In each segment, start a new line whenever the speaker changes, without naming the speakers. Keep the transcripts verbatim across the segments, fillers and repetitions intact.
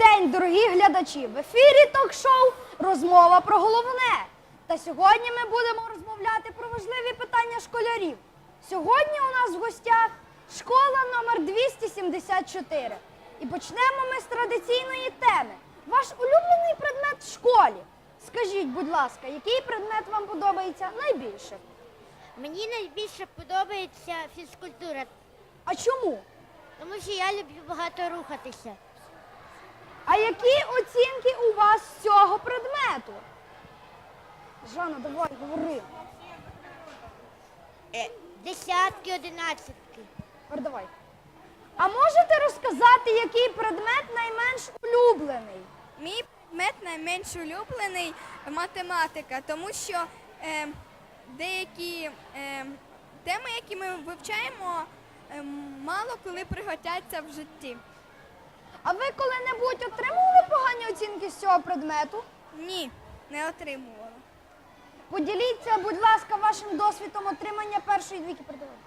день, дорогі глядачі! В ефірі ток-шоу «Розмова про головне». Та сьогодні ми будемо розмовляти про важливі питання школярів. Сьогодні у нас в гостях школа номер двісті сімдесят чотири. І почнемо ми з традиційної теми. Ваш улюблений предмет в школі. Скажіть, будь ласка, який предмет вам подобається найбільше?
Мені найбільше подобається фізкультура,
А чому?
тому що я люблю багато рухатися.
А які оцінки у вас з цього предмету? Жанна, давай, говори.
Е, Десятки, одинадцятки.
Тепер давай. А можете розказати, який предмет найменш улюблений?
Мій предмет найменш улюблений математика, тому що е, деякі е, теми, які ми вивчаємо, е, мало коли пригодяться в житті.
А ви коли-небудь отримували погані оцінки з цього предмету?
Ні, не отримувала.
Поділіться, будь ласка, вашим досвідом отримання першої двійки передавання.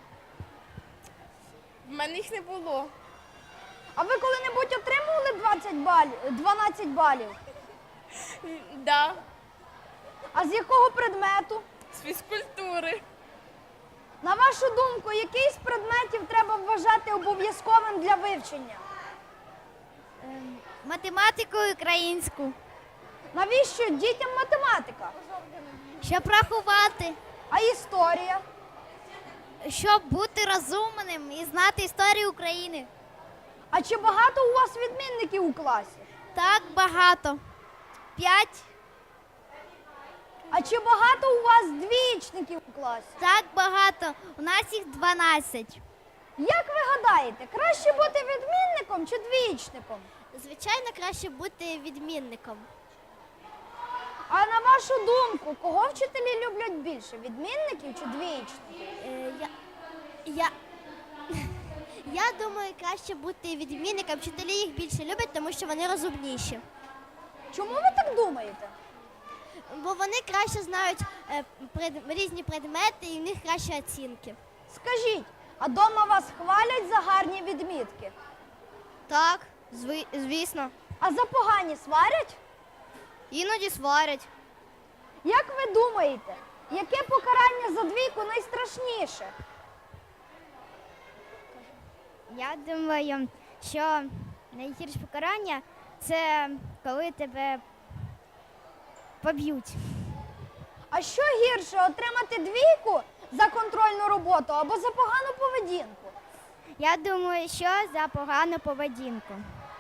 В мене їх не було.
А ви коли-небудь отримували двадцять балів, дванадцять балів?
Да,
А з якого предмету?
з фізкультури.
На вашу думку, який з предметів треба вважати обов'язковим для вивчення?
Математику і українську.
Навіщо дітям математика?
Щоб рахувати,
А історія?
щоб бути розумним і знати історію України.
А чи багато у вас відмінників у класі?
Так багато. П'ять.
А чи багато у вас двічників у класі?
Так багато. У нас їх дванадцять.
Як ви гадаєте, краще бути відмінником чи двічником?
Звичайно, краще бути відмінником.
А на вашу думку, кого вчителі люблять більше, відмінників чи двічників?
Е, я, я, я думаю, краще бути відмінником. Вчителі їх більше люблять, тому що вони розумніші.
Чому ви так думаєте?
Бо вони краще знають е, пред, різні предмети і в них кращі оцінки.
Скажіть, а дома вас хвалять за гарні відмітки?
Так, звісно.
А за погані сварять?
Іноді сварять.
Як ви думаєте, яке покарання за двійку найстрашніше?
Я думаю, що найгірше покарання – це коли тебе поб'ють.
А що гірше, отримати двійку за контрольну роботу або за погану поведінку?
Я думаю, що за погану поведінку.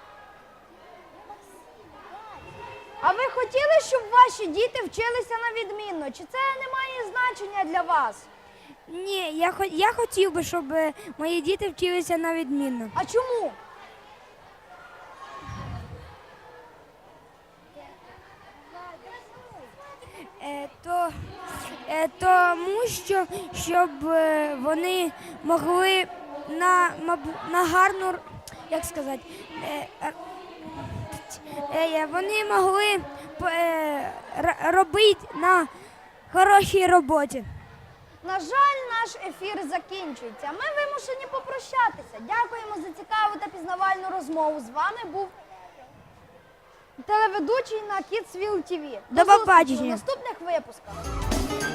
А ви хотіли, щоб ваші діти вчилися на відмінно? Чи це не має значення для вас?
Ні, я, я хотів би, щоб мої діти вчилися на відмінно.
А чому?
Е, то, е, тому що щоб е, вони могли на, мабу- на гарну, як сказати, е, е, е, вони могли е, р- робити на хорошій роботі.
На жаль, наш ефір закінчується. Ми вимушені попрощатися. Дякуємо за цікаву та пізнавальну розмову. З вами був телеведучий на Kidsville ті ві.
До
зустрічі
побачення.
у наступних випусках.